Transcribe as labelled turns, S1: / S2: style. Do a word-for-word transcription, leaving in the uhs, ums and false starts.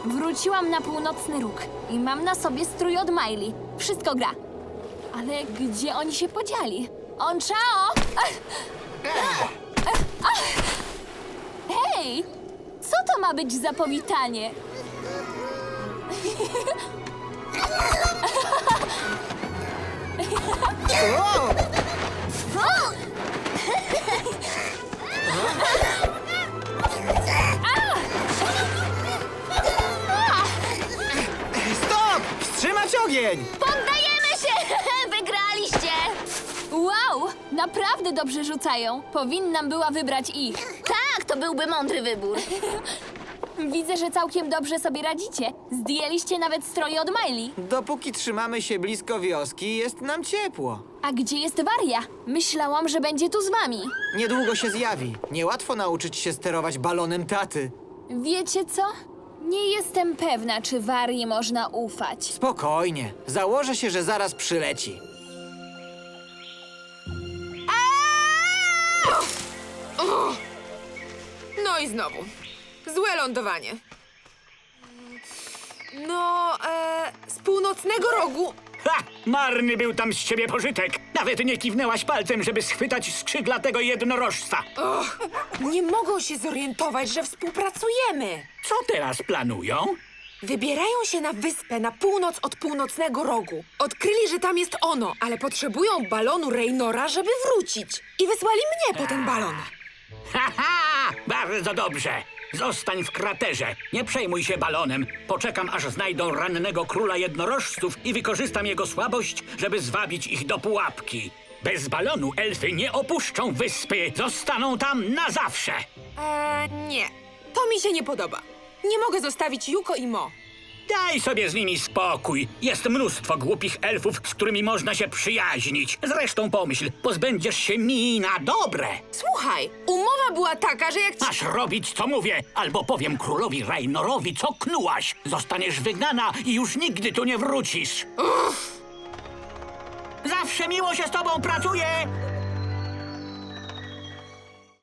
S1: Wróciłam na północny róg i mam na sobie strój od Miley. Wszystko gra. Ale gdzie oni się podzieli? On czao! Hej! Co to ma być za powitanie?
S2: O! Stop! Wstrzymać ogień!
S1: Poddajemy się! Wygraliście! Wow! Naprawdę dobrze rzucają. Powinnam była wybrać ich.
S3: Tak, to byłby mądry wybór.
S1: Widzę, że całkiem dobrze sobie radzicie. Zdjęliście nawet stroje od Miley.
S2: Dopóki trzymamy się blisko wioski, jest nam ciepło.
S1: A gdzie jest Waria? Myślałam, że będzie tu z wami.
S2: Niedługo się zjawi. Niełatwo nauczyć się sterować balonem taty.
S1: Wiecie co? Nie jestem pewna, czy Warii można ufać.
S2: Spokojnie. Założę się, że zaraz przyleci.
S4: No i znowu. Złe lądowanie. No, e, z północnego rogu.
S5: Ha! Marny był tam z ciebie pożytek. Nawet nie kiwnęłaś palcem, żeby schwytać skrzydlatego jednorożca.
S4: Och, nie mogą się zorientować, że współpracujemy.
S5: Co teraz planują?
S4: Wybierają się na wyspę na północ od północnego rogu. Odkryli, że tam jest ono, ale potrzebują balonu Raynora, żeby wrócić. I wysłali mnie po ten balon.
S5: Ha, ha! Bardzo dobrze. Zostań w kraterze. Nie przejmuj się balonem. Poczekam, aż znajdą rannego króla jednorożców i wykorzystam jego słabość, żeby zwabić ich do pułapki. Bez balonu elfy nie opuszczą wyspy. Zostaną tam na zawsze.
S4: Eee, nie. To mi się nie podoba. Nie mogę zostawić Yuko i Mo.
S5: Daj sobie z nimi spokój. Jest mnóstwo głupich elfów, z którymi można się przyjaźnić. Zresztą pomyśl, pozbędziesz się mi na dobre.
S4: Słuchaj, umowa była taka, że jak ci...
S5: Masz robić, co mówię, albo powiem królowi Raynorowi, co knułaś. Zostaniesz wygnana i już nigdy tu nie wrócisz. Zawsze miło się z tobą pracuje.